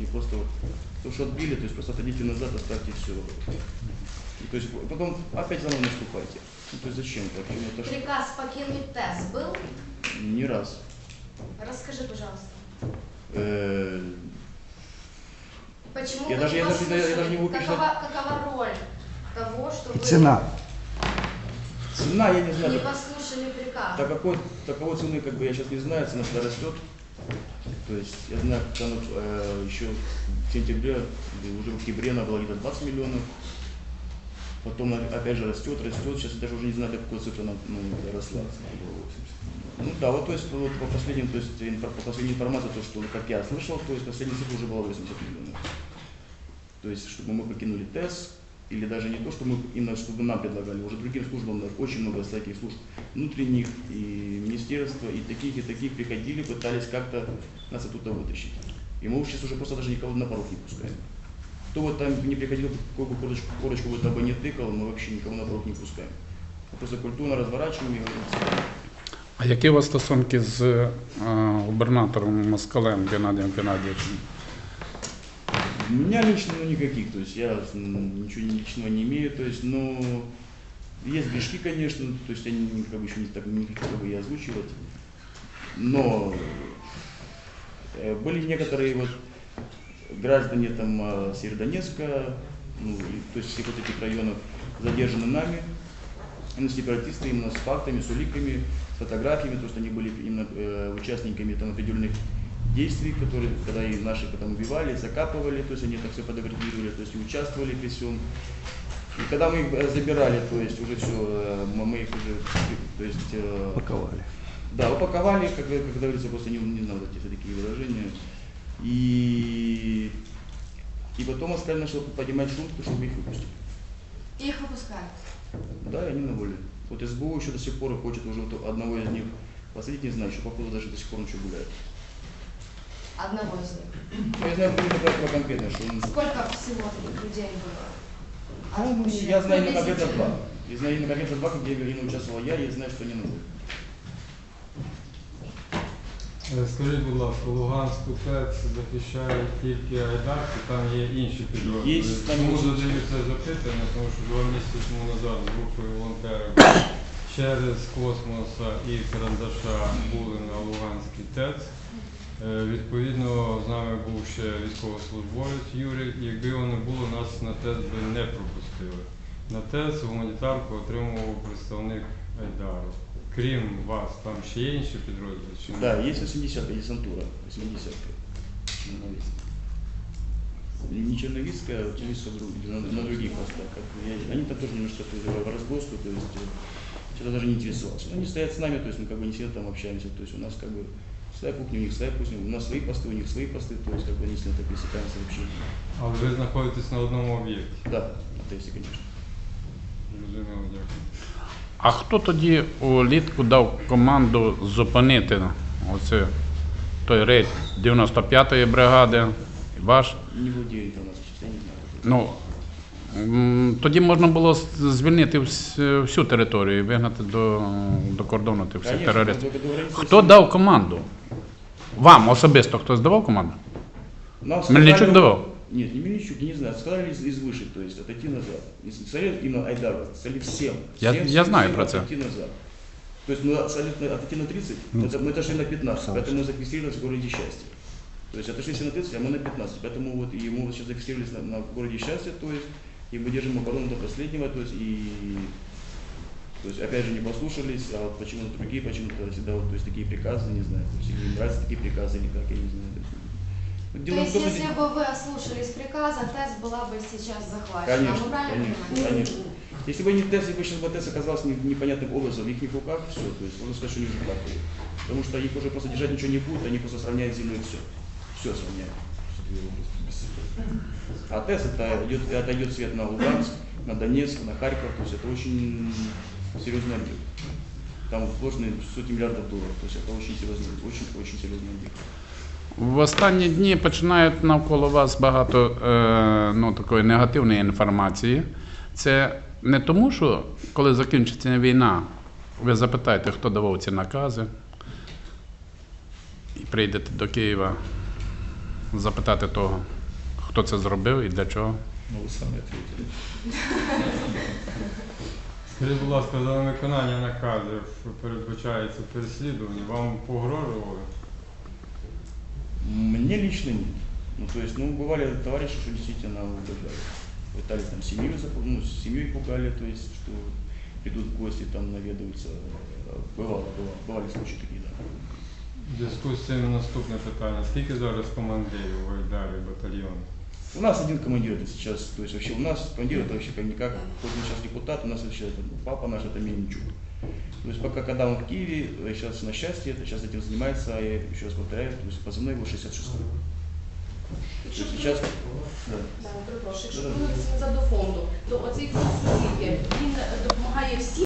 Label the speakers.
Speaker 1: и просто вот то, что отбили, то есть просто отойдите назад, оставьте все. И, то есть потом опять заново наступайте. Ну, то есть зачем так? Это
Speaker 2: Приказ покинуть ТЭС был?
Speaker 1: не раз.
Speaker 2: Расскажи, пожалуйста. Почему
Speaker 1: Я
Speaker 2: вы
Speaker 1: даже
Speaker 2: не
Speaker 1: не
Speaker 2: послушали?
Speaker 1: могу перечислять.
Speaker 2: Какова роль того, что вы
Speaker 3: Цена.
Speaker 1: Цена, я не знаю.
Speaker 2: не послушали приказ?
Speaker 1: Таковой цены как бы я сейчас не знаю, цена всегда растет. То есть я знаю, что она, еще в сентябре, уже в октябре она была где-то 20 миллионов. Потом опять же растет. Сейчас я даже уже не знаю, до какой цифры она росла. Ну да, вот то есть вот, по последней информации, то, что как я слышал, то есть последняя цифра уже была 80 миллионов. То есть, чтобы мы покинули ТЭС, или даже не то, что мы именно чтобы нам предлагали, уже другим службам, очень много всяких служб внутренних, и министерства, и таких приходили, пытались как-то нас оттуда вытащить. И мы сейчас уже просто даже никого на порог не пускаем. Кто вот там не приходил, какую бы корочку вот бы не тыкал, мы вообще никого на порог не пускаем. Мы просто культурно разворачиваем и говорим.
Speaker 4: А які у вас стосунки з губернатором Москалем Геннадием Геннадьевичем?
Speaker 1: У меня лично никаких, то есть я ничего личного не имею, то есть, но есть грешки, конечно, то есть я как бы еще не хотел бы и озвучивать, но были некоторые вот граждане там Северодонецка, ну, то есть всех вот этих районов задержаны нами, именно сепаратисты, именно с фактами, с уликами, с фотографиями, то есть они были именно участниками там определенных действий, которые, когда и наши потом убивали, закапывали, то есть они так все фотографировали, то есть и участвовали при всем. И когда мы их забирали, то есть уже все, мы их уже, то есть...
Speaker 3: Упаковали.
Speaker 1: Да, упаковали, как говорится, просто не знаю, вот эти такие выражения. И потом Москаль начал поднимать шум, чтобы их выпустить.
Speaker 2: Их выпускают?
Speaker 1: Да, и они на воле. Вот СБУ еще до сих пор хочет уже вот одного из них посадить, не знаю, еще походу даже до сих пор он еще гуляет.
Speaker 2: Одного из них?
Speaker 1: Я знаю конкретно, что он...
Speaker 2: Сколько всего таких людей было?
Speaker 1: Ну, я знаю именно конкретно два. Я знаю именно конкретно два, где именно участвовал я знаю, что они на воле.
Speaker 5: Скажіть, будь ласка, Луганську ТЕЦ захищають тільки айдарки, там є інші підрозділи. Чому задаю це запитання? Тому що 2 місяці тому назад з групою волонтерів через Космоса і Карандаша були на Луганській ТЕЦ. Відповідно, з нами був ще військовослужбовець Юрій. Якби його не було, нас на ТЕЦ би не пропустили. На ТЕЦ гуманітарку отримував представник Айдару. Крім вас, там ще є інші підрозділи?
Speaker 1: Да, есть 80-ка десантура, 80-ка. Не черновицкая, а черновицкая на других постах. Они там тоже немножко в разгосту, то есть что-то даже не интересовался. Но они стоят с нами, то есть мы как бы не сильно там общаемся, то есть у нас как бы своя кухня, у них своя кухня, у нас свои посты, у них свои посты, то есть как бы не сильно так пересекаемся вообще.
Speaker 5: А ви знаходитесь на одному об'єкті?
Speaker 1: Да, это если, конечно.
Speaker 5: Зрозуміло, дякую.
Speaker 4: А хто тоді улітку дав команду зупинити той рейд 95-ї бригади, ваш?
Speaker 1: Не владею информацией, честно, я не знаю.
Speaker 4: Ну, тоді можна було звільнити всю територію і вигнати до кордону тих всіх терористів. Хто дав команду? Вам особисто хтось давав команду? Мельничук давав?
Speaker 1: Нет, не Мельничук, не знаю. Сказали из выше, то есть отойти назад. Сказали именно Айдару, сказали всем.
Speaker 4: Я знаю про это.
Speaker 1: Отойти назад. То есть мы отойти на 30, мы отошли на 15, поэтому мы зафиксировались в городе Счастье. То есть отошли все на 30, а мы на 15. Поэтому вот ему сейчас зафиксировались на городе Счастье, то есть и мы держим оборону до последнего, то есть опять же не послушались, а вот почему-то другие, почему-то всегда вот, то есть такие приказы, не знаю, то есть или им нравятся такие приказы или как, я не знаю.
Speaker 2: То есть, если бы вы ослушались приказа, ТЭС была бы сейчас захвачена.
Speaker 1: Конечно,
Speaker 2: Мы правильно понимаем?
Speaker 1: конечно. Если бы не ТЭС, если бы сейчас ТЭС оказался непонятным образом в их руках, все, то есть можно сказать, что они уже плакали. Потому что их уже просто держать ничего не будет, они просто сравняют землю и все. Все сравняют. А ТЭС это идет свет на Луганск, на Донецк, на Харьков, то есть это очень серьезный объект. Там вложены сотни миллиардов долларов, то есть это очень серьезный объект.
Speaker 4: В останні дні починають навколо вас багато такої негативної інформації. Це не тому, що коли закінчиться війна, ви запитаєте, хто давав ці накази, і прийдете до Києва запитати того, хто це зробив і для чого.
Speaker 3: Ну, вы сами ответили.
Speaker 5: Скажіть, будь ласка, за невиконання наказів передбачається переслідування, вам погрожували?
Speaker 1: Мне лично нет. Ну, то есть, бывали товарищи, что действительно угрожали. Пытались там семью, семьей пугали, то есть, что придут в гости, там наведаются. Бывали случаи такие, да.
Speaker 5: В зв'язку з цим наступне питання. Скільки зараз командирів в Айдарі батальйону?
Speaker 1: У нас один командир это сейчас, то есть вообще у нас командир это вообще как никак, хоть он сейчас депутат, у нас вообще папа наш это Мельничук. То есть пока когда он в Киеве, сейчас на счастье, сейчас этим занимается, я еще раз повторяю, то есть позывной его 66-й.
Speaker 2: Якщо
Speaker 1: Сейчас, да.
Speaker 2: перепрошую, якщо повернутися назад до фонду, то оцей фонд сусідів, він допомагає всім.